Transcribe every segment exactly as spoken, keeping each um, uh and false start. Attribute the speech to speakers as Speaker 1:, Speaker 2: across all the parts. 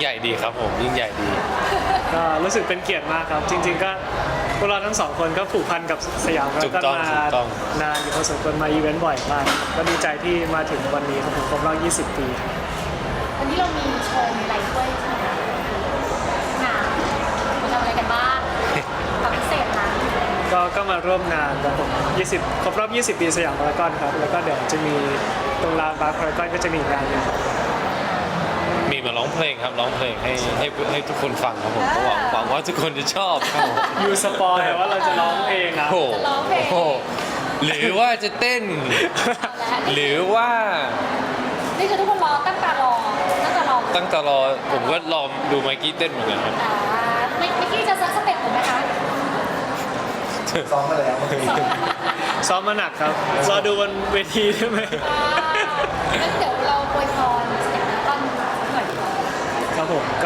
Speaker 1: ญ่ดีครับผมยิ่งใหญ่ดี
Speaker 2: ก็รู้สึกเป็นเกียรติมากครับจริงๆก็พวกเราทั้งสองคนก็ผูกพันกับสยามพารากอนมานานอยู่พอสมควรมาอีเวนต์บ่อยมากก็ดีใจที่มาถึงวันนี้ครับผมครบรอบยี่สิบปี
Speaker 3: วันนี้เรามีโชว์มีอะไรด้วยใช่ไหมงานเราทำอะไรกันบ้างความพิเศษนะ
Speaker 2: ก็ก็มาร่วมงานครับผมยี่สิบครบรอบยี่สิบปีสยามพารากอนครับแล้วก็เดี๋ยวจะมีตรงลานบาร์พารากอนก็จะมีงานนึง
Speaker 1: มีมาร้องเพลงครับร้องเพลงให้ให้ให้ทุกคนฟังครับผมหวังหวังว่าทุกคนจะชอบครับผม
Speaker 2: ยูสปอยว่าเราจะร้องเองนะ
Speaker 1: โอ้โหหรือว่าจะเต้นหรือว่า
Speaker 3: นี่คือทุกคนรอตั้งตารอตั้งตารอ
Speaker 1: ตั้งตารอผมก็รอดูไมค์กี้เต้นเหมือนกันครับ
Speaker 3: ไมค์กี้จะซักสเต็ปเหมือนไหมคะ
Speaker 4: ซ้อมมาแล้ว
Speaker 2: ซ้อมมาหนักครับรอดูบนเวทีได้ไหม
Speaker 3: งั้นเดี๋ยวเราอวยพรสยามพารากอนหน่อย
Speaker 2: ครับผมก็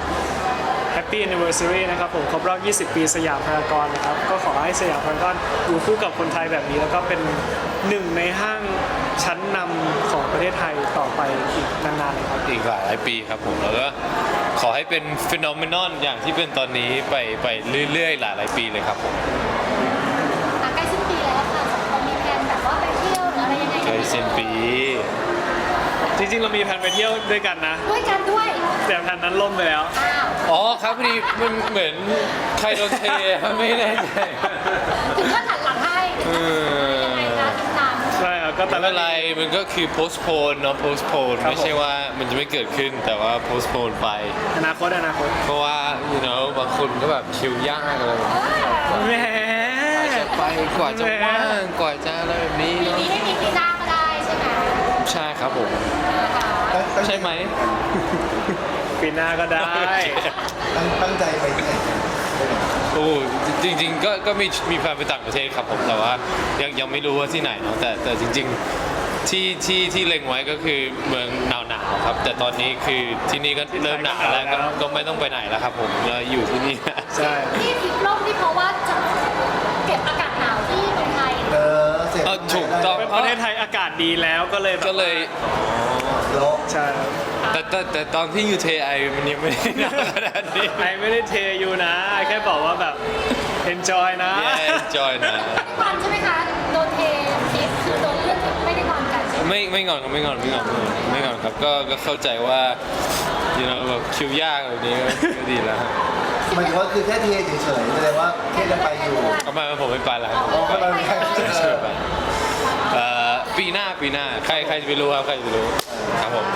Speaker 2: Happy Anniversary นะครับผมครบรอบยี่สิบปีสยามพารากอนนะครับก็ขอให้สยามพารากอนอยู่คู่กับคนไทยแบบนี้แล้วก็เป็นหนึ่งในห้างชั้นนำของประเทศไทยต่อไปอีกนานๆเลยครับ
Speaker 1: อีกหลายปีครับผมแล้วก็ขอให้เป็นฟีนอเมนอนอย่างที่เป็นตอนนี้ไปไปเรื่อยๆหลายๆปีเลยครับผม
Speaker 3: ใกล้สิ้นปีแล้วค่ะสองคนมีแผนแบบว่าไปเที่ยวหรืออะไรยังไง
Speaker 1: ใกล้สิ้นปี
Speaker 2: จริงๆเรามีแผนไปเที่ยวด้วยกันนะ
Speaker 3: ด้วยกันด้วย
Speaker 2: แต่แผนนั้นล่มไปแล้ว
Speaker 1: อ๋อครับพอดีมันเหมือนใครโดนเทไม่แน่ใจ
Speaker 3: ถึงก็หันหลังให้ยังไงคะทิศทาง
Speaker 2: ใช่ครับก็แต่
Speaker 1: อะไรมันก็คือ postpone เนาะ postpone ไม่ใช่ว่ามันจะไม่เกิดขึ้นแต่ว่า postpone ไป
Speaker 2: อนาคตอนาคต
Speaker 1: เพราะว่า you know บางคนก็แบบคิวยากอะไร
Speaker 2: แหม
Speaker 1: จะไปกว่าจะว่างกว่าจะอะไรแบบนี้
Speaker 3: ปีนี้ไม่มีปีหน้าก็ได้ใช่ไหม
Speaker 1: ใช่ครับผมใช่ไหม
Speaker 2: ปีหน้าก็ได้
Speaker 4: ตั้งใจไปที่ไหน
Speaker 1: โอ้จริงๆก็ก็มีมีแพลนไปต่างประเทศครับผมแต่ว่ายังยังไม่รู้ว่าที่ไหนเนาะแต่แต่จริงๆที่ที่ที่เล็งไว้ก็คือเมืองหนาวหนาวครับแต่ตอนนี้คือที่นี่ก็เริ่มหนาวแล้วก็ก็ไม่ต้องไปไหนแล้วครับผมเราอยู่ที่นี่
Speaker 2: ใช่
Speaker 3: ที่ทิพย์ล่มที่เพราะว่าจะเก็บอากาศหนาวที่เมืองไทย
Speaker 4: เออเสร็จ
Speaker 1: ถูกต้อง
Speaker 2: ประเทศไทยอากาศดีแล้วก็เลย
Speaker 1: ก็เลย
Speaker 4: โลก
Speaker 2: ใช่
Speaker 1: แต่แต่แต่ตอนที่อยู่เทไอมันยังไม่ได้หนาวขนาดนี้
Speaker 2: ไอไม่ได้เทอยู่นะไอแค่บอกว่าแบบ enjoy นะ
Speaker 1: enjoy นะ
Speaker 3: ไม่งอนใช่ไหมคะโดนเททิปคือโดนเลื่อนไม่ได้งอนกันใช่ไหม
Speaker 1: ไม่ไม่งอนไม่งอนไม่งอนไม่งอนครับก็ก็เข้าใจว่า you know แบบคิวยากแบบนี้ก็ดีแล้ว
Speaker 4: มันก็คือแค่เทเฉยๆแสดงว่าแค่จะไปอยู่
Speaker 1: ทำไมผมไม่ไปล่ะ
Speaker 4: ก็ไม่ไป
Speaker 1: เฉยไปปีหน้าปีหน้าใครใครจะไปรู้ครับใครจะไปรู้ครับผม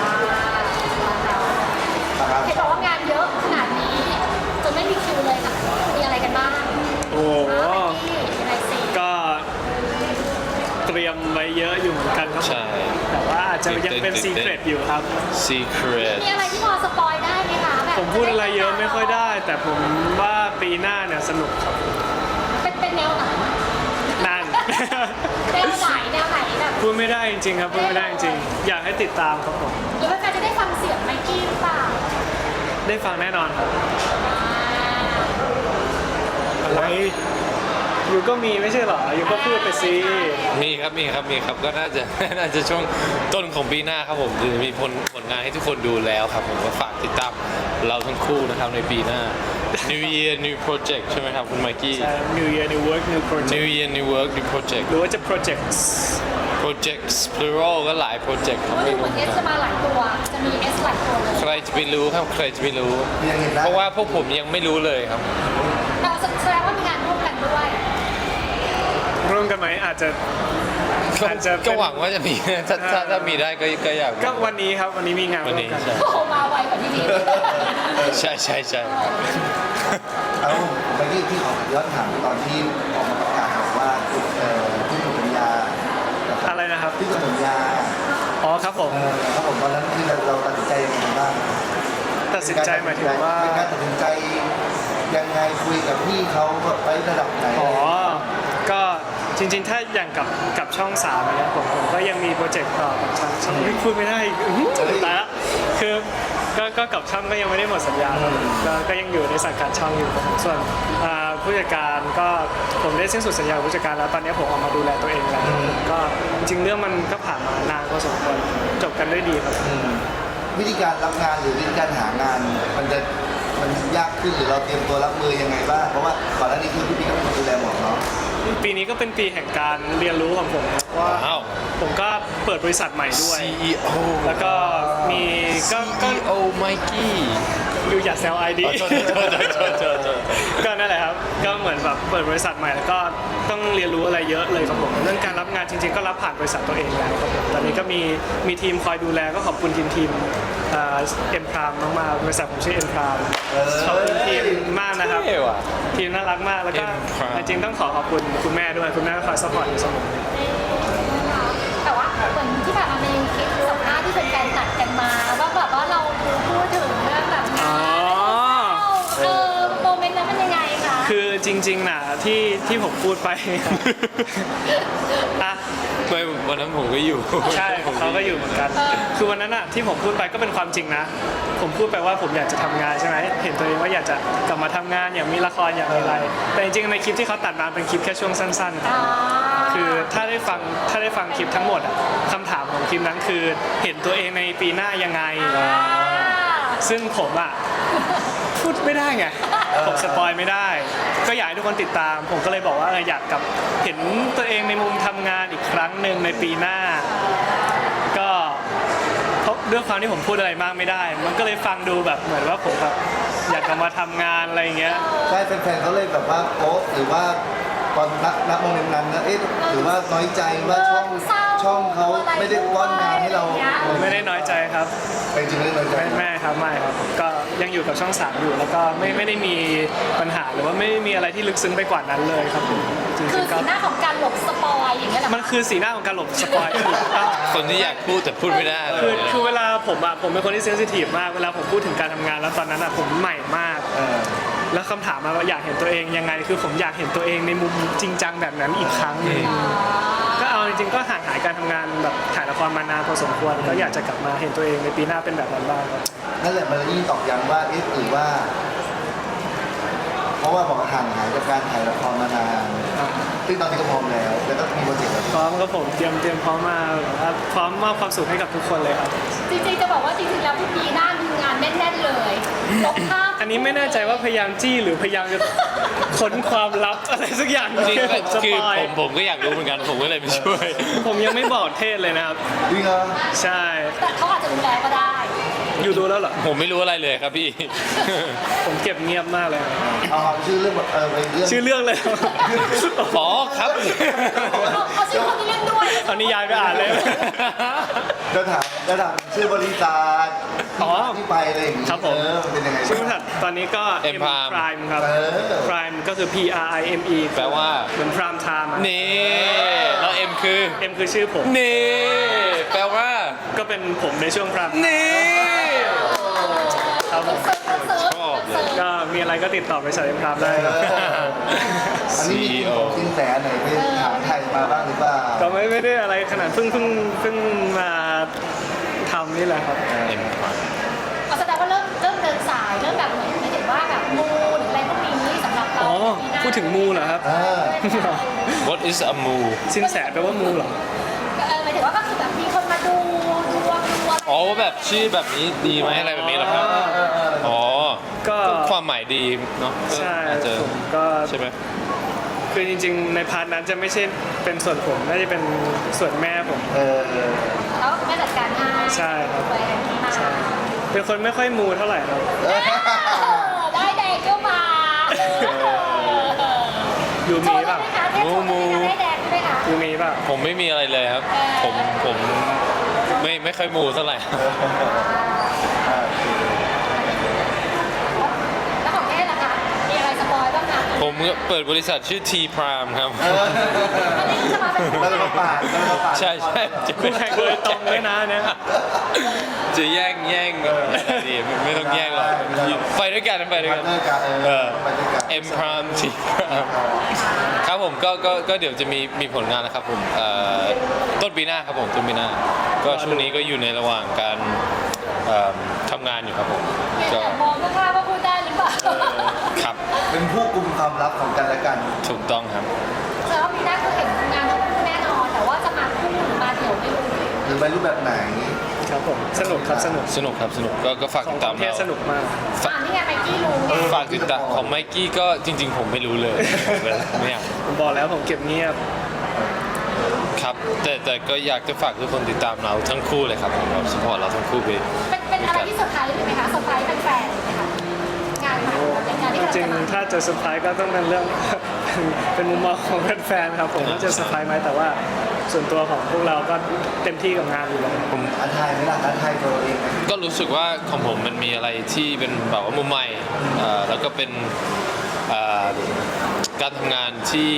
Speaker 3: เห็นบอกว่างานเยอะขนาดนี้จนไม่มีคิวเลยค่ะมีอะไรกันบ้าง
Speaker 2: โอ้ก็เตรียมไว้เยอะอยู่เหมือนกันครับ
Speaker 1: ใช่
Speaker 2: แต่ว่าอาจจะยังเป็นซีเครตอยู่ครับ
Speaker 1: ซีเครต
Speaker 3: มีอะไรที่พอสปอยได้ไหมคะแบบ
Speaker 2: ผมพูดอะไรเยอะไม่ค่อยได้แต่ผมว่าปีหน้าเนี่ยสนุกครับ
Speaker 3: เป็นเป็นแนวไหน
Speaker 2: นั่น
Speaker 3: แนวไหนแนวไหนแบบ
Speaker 2: พูดไม่ได้จริงๆครับพูดไม่ได้จริงๆอยากให้ติดตามครับผม
Speaker 3: หรือว่าจะได้ฟังเสียงไมค์กี้หรือเปล่า
Speaker 2: ได้ฟังแน่นอนครับอะไรยูก็มีไม่ใช่หรอยูก็พูดไปสิ
Speaker 1: มีครับมีครับมีครับก็น่าจะน่าจะช่วงต้นของปีหน้าครับผมจะมีผลผลงานให้ทุกคนดูแล้วครับผมก็ฝากติดตามเราทั้งคู่นะครับในปีหน้า New Year New Project ใช่ไหมครับคุณไมค์กี้
Speaker 2: New Year New Work New Project
Speaker 1: New Year New Work New Project
Speaker 2: หรือว่าจะ Projects
Speaker 1: Projects plural ก็หลาย project
Speaker 3: เพราะดูเหมือน S จะมาหลายตัวจะมี S หลายตัวเลย
Speaker 1: ใครจะไปรู้ครับใครจะไปรู้เพราะว่าพวกผมยังไม่รู้เลยครับ
Speaker 3: แต่แสดงว่ามีงานร่วมกันด้วย
Speaker 2: ร่วมกันไหมอาจจะ
Speaker 1: อาจจะก็หวังว่าจะมีถ้าถ้าถ้ามีได้ก็ก็อยาก
Speaker 2: ก็วันนี้ครับวันนี้มีงานร่วมกัน
Speaker 3: โอ้มาไวกว่าที่นี่
Speaker 1: ใช่ใช่ใช่
Speaker 4: เอาเมื่อกี้ที่ขอย้อนถามตอนที่ออกมาประกาศบอกว่าที่สัญญา
Speaker 2: อะไรนะครับ
Speaker 4: ที่สัญญา
Speaker 2: อ๋อครับผม
Speaker 4: ครับผมตอนนั้นที่เราตัดสินใจยังไงบ้าง
Speaker 2: ตัดสินใจหมายถึงว่า
Speaker 4: เป็นการตัดสินใจยังไงคุยกับพี่เขาไประดับไหน
Speaker 2: อ๋อก็จริงๆถ้าอย่างกับกับช่องสามเนี่ยผมผมก็ยังมีโปรเจกต์ต่อกับช่องช่องไม่พูดไม่ได้แต่ละคือก็ก็กับช่องก็ยังไม่ได้หมดสัญญาครับก็ก็ยังอยู่ในสังกัดช่องอยู่ส่วนผู้จัดการก็ผมได้สิ้นสุดสัญญาผู้จัดการแล้วตอนนี้ผมออกมาดูแลตัวเองแล้วก็จริงเรื่องมันก็ผ่านมานานพอสมควรจบกันด้วยดีครับ
Speaker 4: วิธีการรับงานหรือวิธีการหางานมันจะมันยากขึ้นหรือเราเตรียมตัวรับมือยังไงบ้างเพราะว่าก่อนหน้านี้คือพี่ปีก็เป็นคนดูแลหมดเนาะ
Speaker 2: ปีนี้ก็เป็นปีแห่งการเรียนรู้ของผมนะว่า
Speaker 1: ว้าว
Speaker 2: ผมก็เปิดบริษัทใหม่ด้วย
Speaker 1: ซี อี โอ
Speaker 2: แล้วก็มีก็ก็
Speaker 1: ซี อี โอ ไมกี้
Speaker 2: อยู่อย่าแซวไอดี
Speaker 1: โทษโทษโทษโทษโทษโทษ
Speaker 2: ก็นั่นแหละครับ ก็เหมือนแบบเปิดบริษัทใหม่แล้วก็ต้องเรียนรู้อะไรเยอะเลยครับผม เรื่องการรับงานจริงๆ ก็รับผ่านบริษัทตัวเองแล้วครับผม ตอนนี้ก็มีมีทีมคอยดูแลก็ขอบคุณทีมทีมเอ็มพรามมากๆ บริษัทผมชื่อเอ็มพรามขอบคุณทีมมากนะครับ
Speaker 1: เท่ว่ะ
Speaker 2: ทีมน่ารักมาก แล้วก็
Speaker 1: M Prime
Speaker 2: จริงๆต้องขอขอบคุณคุณแม่ด้วย คุณแม่ก็คอยสปอร์ตอยู่เสมอ
Speaker 3: แต่ว่าเหมือนที่ผ่านมาในคลิปสัมภาษณ์ที่เป็นการตัดกันมาว่าแบบว่าเราพูดถึงเรื่องแบบงานเออโมเมนต์นั้นเป็นยังไงคะ
Speaker 2: คือจริงๆนะที่ที่ผมพูดไป อ่ะ
Speaker 1: ไม่วันนั้นผมก็อยู่
Speaker 2: ใช่เขาก็อยู่เหมือนกัน คือวันนั้นอะที่ผมพูดไปก็เป็นความจริงนะ ผมพูดไปว่าผมอยากจะทำงานใช่ไหมเห็นตัวเองว่าอยากจะกลับมาทำงานอยากมีละครอยากมีอะไร แต่จริงๆในคลิปที่เขาตัดมาเป็นคลิปแค่ช่วงสั้นๆ
Speaker 3: อ่า
Speaker 2: คือถ้าได้ฟังถ้าได้ฟังคลิปทั้งหมดอะคำถามของคลิปนั้นคือเห็นตัวเองในปีหน้ายังไง
Speaker 3: อ่า
Speaker 2: ซึ่งผมอะพูดไม่ได้ไง ผมสปอยไม่ได้ ก็อยากให้ทุกคนติดตาม ผมก็เลยบอกว่าเอออยากกลับเห็นตัวเองในมุมทำงานอีกครั้งหนึ่งในปีหน้า ก็เพราะด้วยความที่ผมพูดอะไรมากไม่ได้ มันก็เลยฟังดูแบบเหมือนว่าผมแบบอยากกลับมาทำงานอะไรอย่างเงี้ย
Speaker 4: ใช่แฟนๆเขาเลยแบบว่าโป๊ะหรือว่าตอนนักนักโมเมนต์นั้นนะเอ๊ะหรือว่าน้อยใจว่าช่องช่องเขาไม่ได้ป้อนงานให้เรา
Speaker 2: ไม่ได้น้อยใจครับ
Speaker 4: เป็นจริงไม่ได้น้อยใจ
Speaker 2: ไม่ไม่ครับไม่ครับ ก็ยังอยู่กับช่องสามอยู่แล้วก็ไม่ไม่ได้มีปัญหาหรือว่าไม่มีอะไรที่ลึกซึ้งไปกว่านั้นเลยครับผมจ
Speaker 3: คื
Speaker 2: ริ
Speaker 3: อง
Speaker 2: ๆก็
Speaker 3: สีหน้าของการหลบสปอยอย่างเงี้ยเหรอ
Speaker 2: มันคือสีหน้าของการหลบสปอยถูกต้อง
Speaker 1: คนที่อยากพูดแต่พูดไม่ได้
Speaker 2: คือคือเวลาผมอะผมเป็นคนที่เซนซิทีฟมากเวลาผมพูดถึงการทำงานแล้วตอนนั้นอะผมใหม่มาก
Speaker 4: เออ
Speaker 2: แล้วคำถามมาว่าอยากเห็นตัวเองยังไง คือผมอยากเห็นตัวเองในมุมจริงจังแบบนั้นอีกครั้งหนึ่งก็เอาจริงๆก็ห่างหายการทำงานแบบถ่ายละครมานานพอสมควรก็อยากจะกลับมาเห็นตัวเองในปีหน้าเป็นแบบนั้นบ้างครับ
Speaker 4: นั่นแหละมันยิ่งตอกย้ำว่าเอ๊ะหรือว่า เพราะว่าบอกว่าห่างหายจากการถ่ายละครมานานซึ่งตอนนี้ก็พร้อมแล้ว แล้วก็มีโปรเจกต์แบบ
Speaker 2: พร้อมครับผมเตรียมเตรียมพร้อมมาแบบว่าพร้อมมอบความสุขให้กับทุกคนเลยครับ
Speaker 3: จริงๆจะบอกว่าจริงๆแล้วพี่ปีหน้ามีงานแน่นๆเลยลบภาพ
Speaker 2: อันนี้ไม่แน่ใจว่าพยายามจี้หรือพยายามจะค้นความลับอะไรสักอย่าง
Speaker 1: จริง
Speaker 2: ที่
Speaker 1: ๆ
Speaker 2: ผมส
Speaker 1: คือ
Speaker 2: ปอย
Speaker 1: ผมผมก็อยากรู้เหมือนกันผมก็เลยไปช่วย
Speaker 2: ผมยังไม่บอกเทศเลยนะครับ
Speaker 4: วิ่งเหรอ
Speaker 2: ใช่
Speaker 3: แต่เขาอาจจะดูแลก็ได้
Speaker 2: อยู่ดูแล้วเหรอ
Speaker 1: ผมไม่รู้อะไรเลยครับพี่
Speaker 2: ผมเก็บเงียบมากเลย
Speaker 4: เอาเอาชื่อเรื่องแบบเออไปเรื่อง
Speaker 2: ชื่อเรื่องเลย
Speaker 1: อ๋อครับ
Speaker 3: เอาเอาชื่อคนที่เล่นด้วย
Speaker 2: เอานิยายไปอ่านเลย
Speaker 4: จะถามจะถามชื่อบริษัท
Speaker 2: อ๋อ
Speaker 4: ที่ไปอะไรอย่างงี้
Speaker 2: ครับผม
Speaker 4: เออมันเป็นยังไง
Speaker 2: ชื่อบริษัทตอนนี้ก็
Speaker 1: M Prime
Speaker 2: Prime ครับ
Speaker 4: เออ
Speaker 2: Prime ก็คือ P R I M E
Speaker 1: แปลว่า
Speaker 2: เหมือน Prime Time อะ
Speaker 1: นี่แล้วเอ็มคือ
Speaker 2: M คือชื่อผม
Speaker 1: นี่แปลว่า
Speaker 2: ก็เป็นผมในช่วง Prime
Speaker 1: นี่
Speaker 2: ครับผม
Speaker 3: เซิร์ฟเซิร์ฟ
Speaker 1: ชอบเลย
Speaker 2: ก็มีอะไรก็ติดต่อบริษัท M Prime ได้ครับ
Speaker 4: อันนี้มี
Speaker 1: ซี อี โอ
Speaker 4: ของสินแสไหนไปถามไทยมาบ้างหรือเปล่า
Speaker 2: ก็ไม่ไม่ได้อะไรขนาดเพิ่งเพิ่งเพิ่งมาทำนี่แหละครับ
Speaker 1: เอ็ม
Speaker 3: เอาแสดงว่าเริ่มเริ่มเดินสายเริ่มแบบเหมือนไม่ถึงว่าแบบมูหรืออะไรพวกนี้สำหรับเรา
Speaker 2: อ๋อ
Speaker 3: ปีหน้า
Speaker 2: พูดถึงมูเหรอครับ
Speaker 4: เออ
Speaker 1: What is a moo
Speaker 2: สินแสแปลว่ามูเหรอ
Speaker 3: เออหมายถึงว่าก็คือแบบมีคนมาดูดวงดูอะไร
Speaker 1: อ๋อแบบชื่อแบบนี้ดีไหมอะไรแบบนี้เหรอครับ อ๋อ
Speaker 2: ก็
Speaker 1: ความหมายดีเนาะ
Speaker 2: ใช่
Speaker 1: อาจจะ
Speaker 2: ผมก็
Speaker 1: ใช่ไหม
Speaker 2: คือจริงๆ ในพาร์ทนั้นจะไม่ใช่เป็นส่วนผมน่าจะเป็นส่วนแม่ผม
Speaker 4: เออ
Speaker 3: แล้วไม่จัดการให้
Speaker 2: ใช่ครับ
Speaker 3: ไปกันที่มา
Speaker 2: เป็นคนไม่ค่อยมูเท่าไหร่ครับ
Speaker 3: เออได้แดงก็มาเออ
Speaker 2: ยู
Speaker 3: โช
Speaker 2: มี
Speaker 3: ว์ได้
Speaker 2: ป่ะ
Speaker 3: ไหมคะเทพโชว์ได้ไหมคะได้แดงได้ไหมคะ
Speaker 2: ยูมีป่ะ
Speaker 1: ผมไม่มีอะไรเลยครับ
Speaker 3: เออ
Speaker 1: ผมผมไม่ไม่ค่อยมูเท่าไหร่
Speaker 3: แล้วของแม่ล่ะคะมีอะไรสปอยบ้างคะ
Speaker 1: ผมเปิดบริษัทชื่อ T Prime ครับ
Speaker 4: เออ
Speaker 3: อันนี้จะมาเป็นคู่
Speaker 4: แล้วเรามาปาดแล้วเรามาปาด
Speaker 1: ใช่ใช่จะ
Speaker 2: คู่แข่งโดยตรงด้วยนะเนี่ย
Speaker 1: จะแย่งแย่งดีไม่ไม่ต้องแย่งหรอกไปด้วยกันไปด้วย
Speaker 4: พา
Speaker 1: กั
Speaker 4: ร์
Speaker 1: น
Speaker 4: ทเนอร์กันเอ
Speaker 1: เอ
Speaker 4: อ
Speaker 1: อ
Speaker 4: ไปด้วยกัน
Speaker 1: M Prime T Prime ครับผมก็ก็ก็เดี๋ยวจะมีมีผลงานนะครับผมเอ่อต้นปีหน้าครับผมต้นปีหน้า ก็ช่วงนี้ก็อยู่ในระหว่างการเอ่อทำงานอยู่ครับผม
Speaker 3: เนี่ย
Speaker 1: ก็
Speaker 3: แต่มองก็คาดว่าพูดได้หรือเปล่า
Speaker 1: ครับ
Speaker 4: เป็นผู้กุมความลับของกันและกัน
Speaker 1: ถูกต้องครับ
Speaker 3: แต่ว่าปีหน้าคือเห็นงานทั้งคู่แน่นอน แต่ว่าจะมาคู่หรือมาเดี่ยวไม่รู้
Speaker 4: หรือไปรูปแบบไหน
Speaker 2: ครับผมสนุกครับสนุก
Speaker 1: สนุกครับสนุกก็ก็ฝาก
Speaker 2: ขอ
Speaker 1: ติ
Speaker 2: ง
Speaker 1: ด
Speaker 2: ป
Speaker 1: ตาม
Speaker 2: ระเทศ
Speaker 1: เรา
Speaker 2: สนุกมาก
Speaker 3: อ่านี่ไงไมกี้รู้ไง
Speaker 1: ฝากติดตามของไมกี้ก็จริง ๆ ผมไม่รู้เลยไม่อยาก
Speaker 2: ผมบอกแล้วผมเก็บเงียบ
Speaker 1: ครับแต่แต่ก็อยากจะฝากทุกคนติดตามเราทั้งคู่เลยครับผมเราสปอร์ตเราทั้งคู่ไป
Speaker 3: เป็นเป็นอะไรที่เซอร์ไพรส์เลยไหมคะเซอร์ไพรส์แฟนๆเลยไหมคะงานใหม่เป็นงานที่
Speaker 2: จ
Speaker 3: เรา
Speaker 2: ริง
Speaker 3: จะมา
Speaker 2: ๆถ้าจะเซอร์ไพรส์ก็ต้องเป็นเรื่อง เป็นมุมมองของแฟนๆครับผมว่าจะเซอร์ไพรส์ไหมแต่ว่าส่วนตัวของพวกเราก็เต็มที่กับงานอยู่แล้ว
Speaker 1: ผม
Speaker 4: ท้าทายไหมล่ะท้าทายตัวเราเองไหม
Speaker 1: ก็รู้สึกว่าของผมมันมีอะไรที่เป็นแบบว่ามุมใหม่เอ่อแล้วก็เป็นเอ่อการทำงานที่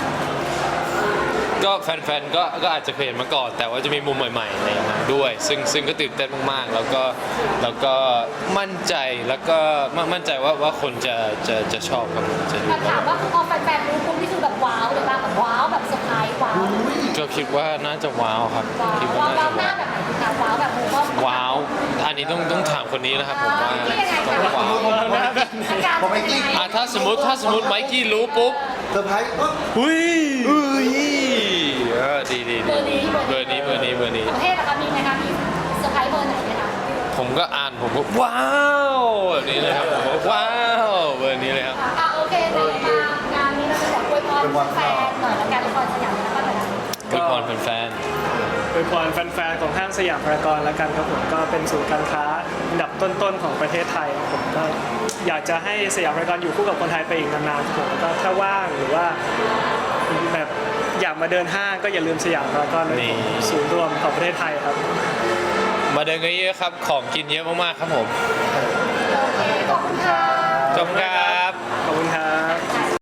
Speaker 1: ก็แฟนๆก็ก็อาจจะเคยเห็นมาก่อน แต่ว่าจะมีมุมใหม่ๆในนั้นด้วย ซึ่งซึ่งก็ตื่นเต้นมากๆ แล้วก็แล้วก็มั่นใจแล้วก็มั่นมั่นใจว่าว่าคนจะจะจะชอบครับผมจะดู
Speaker 3: แต่ถามว่าคือพอแฟนๆรู้ปุ๊บนี่คือแบบว้าวเลยป่ะแบบว้าวแบบเซอร์ไพรส์ว้าว
Speaker 1: ก็คิดว่าน่าจะว้าวครับ
Speaker 3: ว้าว
Speaker 1: คิดว่า
Speaker 3: ว้าว
Speaker 1: น่า
Speaker 3: ว้าว
Speaker 1: จะ
Speaker 3: หน้า
Speaker 1: ว้าว
Speaker 3: แบบไหนคะว้าวแบบมูก็
Speaker 1: ว้าว อันนี้ต้องต้องถามคนนี้นะครับผมว่า
Speaker 3: ที่ยังไง
Speaker 1: ต้
Speaker 3: คะ
Speaker 1: องว้าว
Speaker 3: อาการเป็นยังไง
Speaker 1: อ่ะถ้าสมมติถ้าสมมติไมกี้รู้ปุ๊บ
Speaker 4: เซอร์ไพรส์ปุ๊บ
Speaker 1: หุ้ยอุ้ยเออดีดี
Speaker 3: เบ
Speaker 1: ดี
Speaker 3: อร์นี้
Speaker 1: เบอร์นี้เบอร์นี้เบอร์นี้
Speaker 3: ประเทศนะคะมีไหมคะมีเซอร์ไพรส์เบอร์ไหนไหมคะ
Speaker 1: ผมก็อ่านผมก็ว้าวแบบนี้เลยครับผมก็ว้าวเบอร์นี้เลยครับ
Speaker 3: อ่ะโอเคไหนมางานนี้เราจะบอกอวยพรแฟนๆหน่อยละกันละครสยามแล้วก็หน่อยละ
Speaker 1: อวยพรแฟน
Speaker 2: โดยพรแฟนๆของห้างสยามพารากอนแล้วกันครับผมก็เป็นศูนย์การค้าอันดับต้นๆของประเทศไทยครับผมก็อยากจะให้สยามพารากอนอยู่คู่กับคนไทยไปอีกนานๆครับผมแล้วก็ถ้าว่างหรือว่าแบบอยากมาเดินห้างก็อย่าลืมสยามพารากอนเลยผมศูนย์รวมของประเทศไทยครับ
Speaker 1: ๆมาเดินกันเยอะครับของกินเยอะมากๆครับผม
Speaker 3: โอเคขอบคุณค่ะ
Speaker 1: ขอบคุณครับ